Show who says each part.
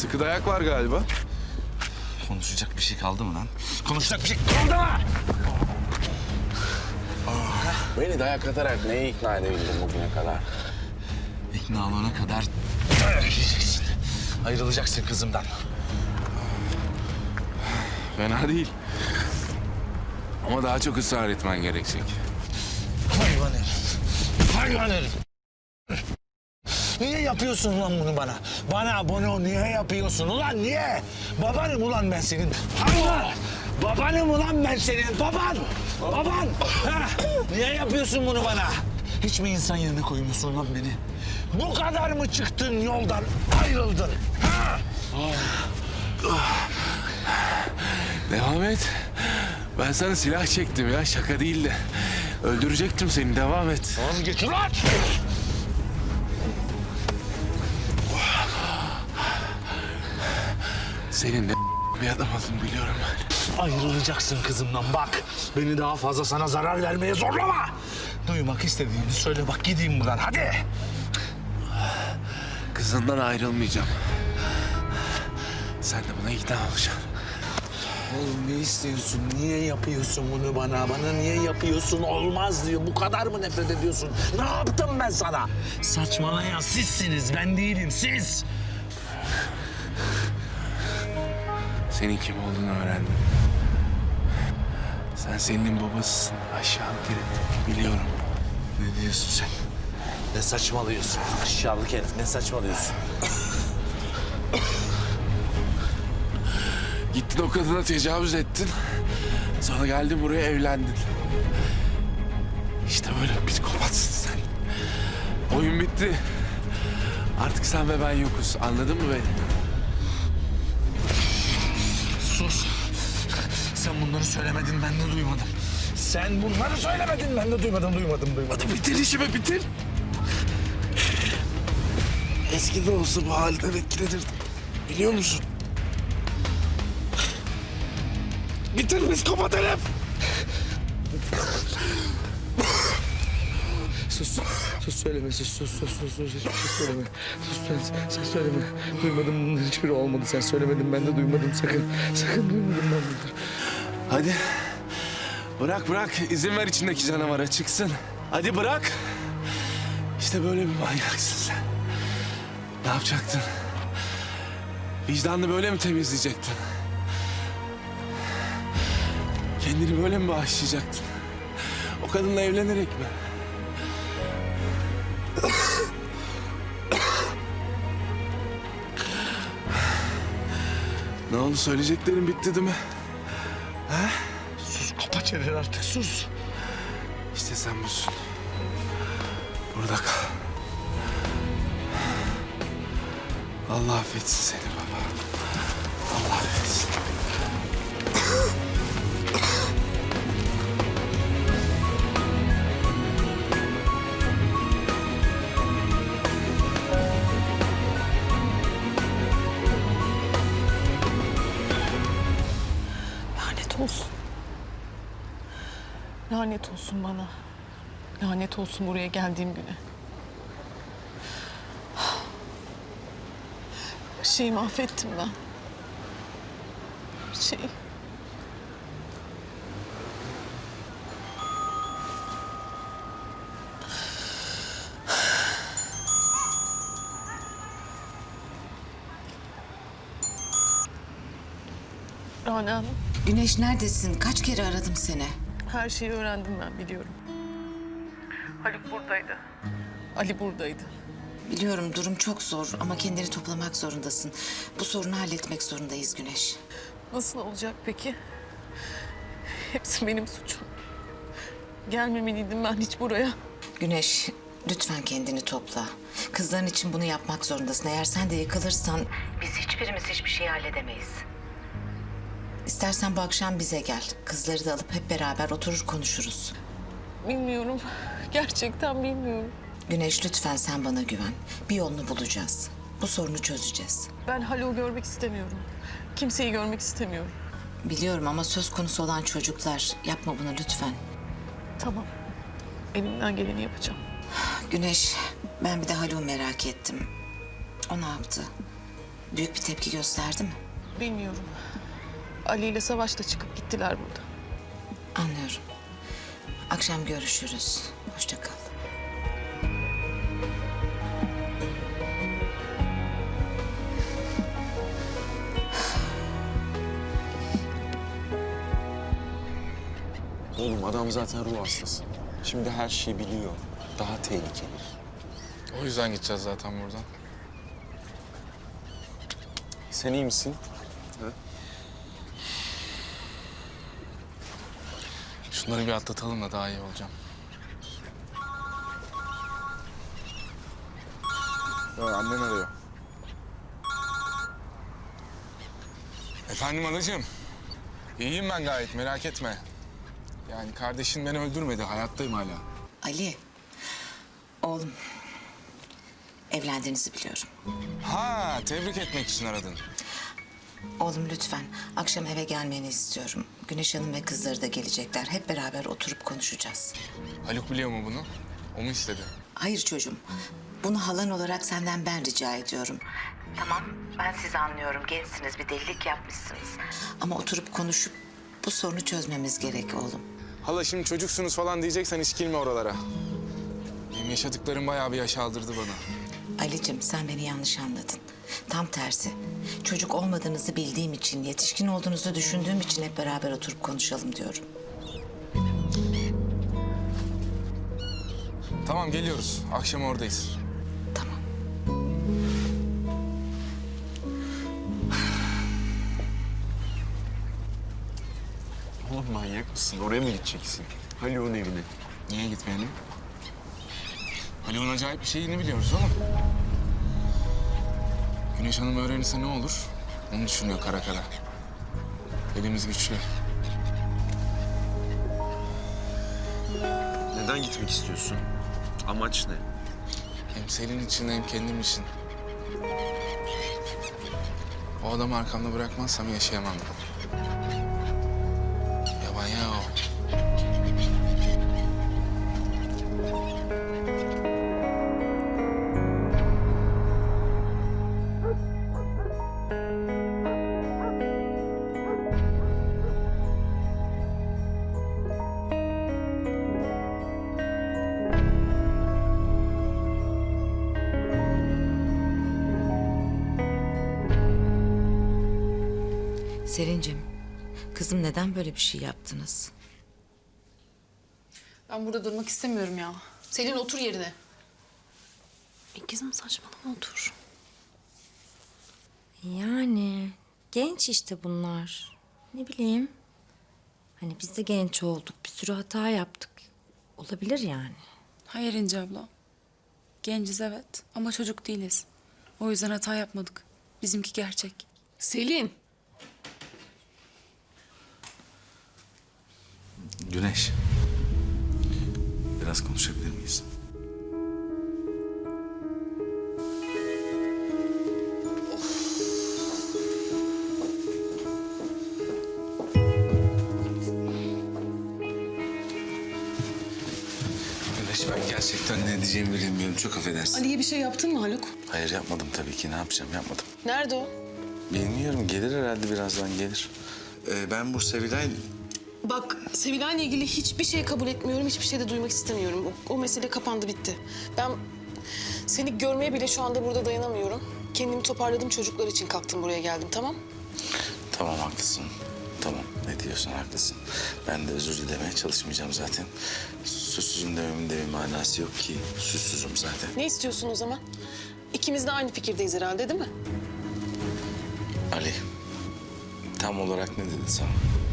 Speaker 1: Sıkı dayak var galiba.
Speaker 2: Konuşacak bir şey kaldı mı lan? Konuşacak bir şey kaldı mı?
Speaker 1: Beni dayak atarak neye ikna edebildin bugüne kadar?
Speaker 2: İkna olana kadar dayak yiyeceksin. Ayrılacaksın kızımdan.
Speaker 1: Fena değil. Ama daha çok ısrar etmen gerekecek.
Speaker 2: Hayvan herif. Hayvan herif. Niye yapıyorsun lan bunu bana? Bana bunu niye yapıyorsun ulan niye? Babanım ulan ben senin. Hayvan! Babanım ulan ben senin. Baban! Baban! Ha? Niye yapıyorsun bunu bana? Hiç mi insan yerine koymuyorsun lan beni? Bu kadar mı çıktın yoldan ayrıldın? Ha?
Speaker 1: Devam et. Ben sana silah çektim ya, şaka değildi. Öldürecektim seni, devam et.
Speaker 2: Vazgeç ulan!
Speaker 1: Senin de bir adam olduğunu biliyorum ben.
Speaker 2: Ayrılacaksın kızımdan bak. Beni daha fazla sana zarar vermeye zorlama. Duymak istediğini söyle bak gideyim buradan hadi.
Speaker 1: Kızından ayrılmayacağım. Sen de buna ikna olacaksın.
Speaker 2: Oğlum ne istiyorsun? Niye yapıyorsun bunu bana? Bana niye yapıyorsun? Olmaz diyor. Bu kadar mı nefret ediyorsun? Ne yaptım ben sana? Saçmalayan sizsiniz. Ben değilim. Siz.
Speaker 1: Senin kim olduğunu öğrendim. Sen Selin'in babasısın. Aşağılık herif. Biliyorum.
Speaker 2: Ne diyorsun sen? Ne saçmalıyorsun? Aşağılık herif. Ne saçmalıyorsun?
Speaker 1: Gittin o kadına tecavüz ettin. Sonra geldin buraya evlendin. İşte böyle psikopatsın sen. Oyun bitti. Artık sen ve ben yokuz. Anladın mı beni?
Speaker 2: Sus. Sen bunları söylemedin, ben de duymadım. Sen bunları söylemedin, ben de duymadım.
Speaker 1: Hadi bitir işimi, bitir. Eskide olsa bu halden etkilenirdim. Biliyor musun? Bitir psikopat herif.
Speaker 3: Sus söyleme, sus hiçbir şey söyleme. Sen söyleme. Duymadım bunların hiçbiri olmadı. Sen söylemedin, ben de duymadım sakın duymadım ben bunları.
Speaker 1: Hadi. Bırak. İzin ver içindeki canavara çıksın. Hadi bırak. İşte böyle bir manyaksın sen. Ne yapacaktın? Vicdanını böyle mi temizleyecektin? Kendini böyle mi bağışlayacaktın? O kadınla evlenerek mi? Ne oldu? Söyleyeceklerin bitti değil mi? Ha?
Speaker 2: Sus, kapa çeneni artık, sus.
Speaker 1: İşte sen busun. Burada kal. Allah affetsin seni baba. Allah affetsin.
Speaker 4: Lanet olsun. Lanet olsun bana. Lanet olsun buraya geldiğim güne. Her şeyi mahvettim ben. Her şeyi. Rana Hanım,
Speaker 5: Güneş neredesin? Kaç kere aradım seni?
Speaker 4: her şeyi öğrendim ben, biliyorum. Haluk buradaydı. Ali buradaydı.
Speaker 5: Biliyorum durum çok zor ama kendini toplamak zorundasın. Bu sorunu halletmek zorundayız Güneş.
Speaker 4: Nasıl olacak peki? Hepsi benim suçum. Gelmemeliydim ben hiç buraya.
Speaker 5: Güneş lütfen kendini topla. Kızların için bunu yapmak zorundasın. Eğer sen de yıkılırsan biz hiçbirimiz hiçbir şey halledemeyiz. İstersen bu akşam bize gel. Kızları da alıp hep beraber oturur konuşuruz.
Speaker 4: Bilmiyorum. Gerçekten bilmiyorum.
Speaker 5: Güneş lütfen sen bana güven. Bir yolunu bulacağız. Bu sorunu çözeceğiz.
Speaker 4: Ben Haluk'u görmek istemiyorum. Kimseyi görmek istemiyorum.
Speaker 5: Biliyorum ama söz konusu olan çocuklar. Yapma bunu lütfen.
Speaker 4: Tamam. Elimden geleni yapacağım.
Speaker 5: Güneş, ben bir de Haluk'u merak ettim. O ne yaptı? Büyük bir tepki gösterdi mi?
Speaker 4: Bilmiyorum. Ali ile Savaş da çıkıp gittiler burada.
Speaker 5: Anlıyorum. Akşam görüşürüz. Hoşça kal.
Speaker 6: Oğlum adam zaten ruh hastası. Şimdi her şeyi biliyor. Daha tehlikeli.
Speaker 7: O yüzden gideceğiz zaten buradan.
Speaker 6: Sen iyi misin?
Speaker 7: Şunları bir atlatalım da daha iyi olacağım. Annen arıyor. Efendim anacığım. İyiyim ben gayet, merak etme. Yani kardeşin beni öldürmedi, hayattayım hala.
Speaker 5: Ali, oğlum, evlendiğinizi biliyorum.
Speaker 7: Ha, tebrik etmek için aradın.
Speaker 5: Oğlum lütfen akşam eve gelmeni istiyorum. Güneş Hanım ve kızları da gelecekler. Hep beraber oturup konuşacağız.
Speaker 7: Haluk biliyor mu bunu? O mu istedi?
Speaker 5: Hayır çocuğum. Bunu halan olarak senden ben rica ediyorum. Tamam, ben sizi anlıyorum. Gençsiniz, bir delilik yapmışsınız. Ama oturup konuşup bu sorunu çözmemiz gerek oğlum.
Speaker 7: Hala şimdi çocuksunuz falan diyeceksen hiç girme oralara. Benim yaşadıklarım bayağı bir yaş aldırdı bana.
Speaker 5: Ali'cim sen beni yanlış anladın. Tam tersi. Çocuk olmadığınızı bildiğim için, yetişkin olduğunuzu düşündüğüm için hep beraber oturup konuşalım diyorum.
Speaker 7: Tamam geliyoruz, akşam oradayız.
Speaker 5: Tamam.
Speaker 6: Oğlum manyak mısın? Oraya mı gideceksin? Haluk'un evine.
Speaker 7: Niye gitmeyelim? Haluk'un acayip bir şeyini biliyoruz oğlum. Güneş Hanım öğrenirse ne olur? Onu düşünüyor kara kara. Elimiz güçlü.
Speaker 6: Neden gitmek istiyorsun? Amaç ne?
Speaker 7: Hem Selin için hem kendim için. O adamı arkamda bırakmazsam yaşayamam ben. Yaban ya o.
Speaker 5: Selin'cim, kızım neden böyle bir şey yaptınız?
Speaker 8: Ben burada durmak istemiyorum ya. Selin otur yerine.
Speaker 9: Kızım saçmalama otur. Yani genç işte bunlar. Ne bileyim. Hani biz de genç olduk. Bir sürü hata yaptık. Olabilir yani.
Speaker 8: Hayır İnce abla. Genciz evet ama çocuk değiliz. O yüzden hata yapmadık. Bizimki gerçek.
Speaker 4: Selin.
Speaker 1: Güneş. Biraz konuşabilir miyiz? Güneş ben gerçekten ne diyeceğimi bilemiyorum. Çok affedersin.
Speaker 4: Ali'ye bir şey yaptın mı Haluk?
Speaker 1: Hayır yapmadım tabii ki. Ne yapacağım? Yapmadım.
Speaker 4: Nerede o?
Speaker 1: Bilmiyorum. Gelir herhalde birazdan gelir. Ben bu Sevilay...
Speaker 4: Bak Sevilay'la ilgili hiçbir şey kabul etmiyorum. Hiçbir şey de duymak istemiyorum. O mesele kapandı bitti. Ben seni görmeye bile şu anda burada dayanamıyorum. Kendimi toparladım, çocuklar için kalktım buraya geldim, tamam?
Speaker 1: Tamam haklısın. Tamam ne diyorsun haklısın. Ben de özür dilemeye çalışmayacağım zaten. Suçsuzum dememin de bir manası yok ki. Suçsuzum zaten.
Speaker 4: Ne istiyorsun o zaman? İkimiz de aynı fikirdeyiz herhalde değil mi?
Speaker 1: Ali tam olarak ne dedi sana?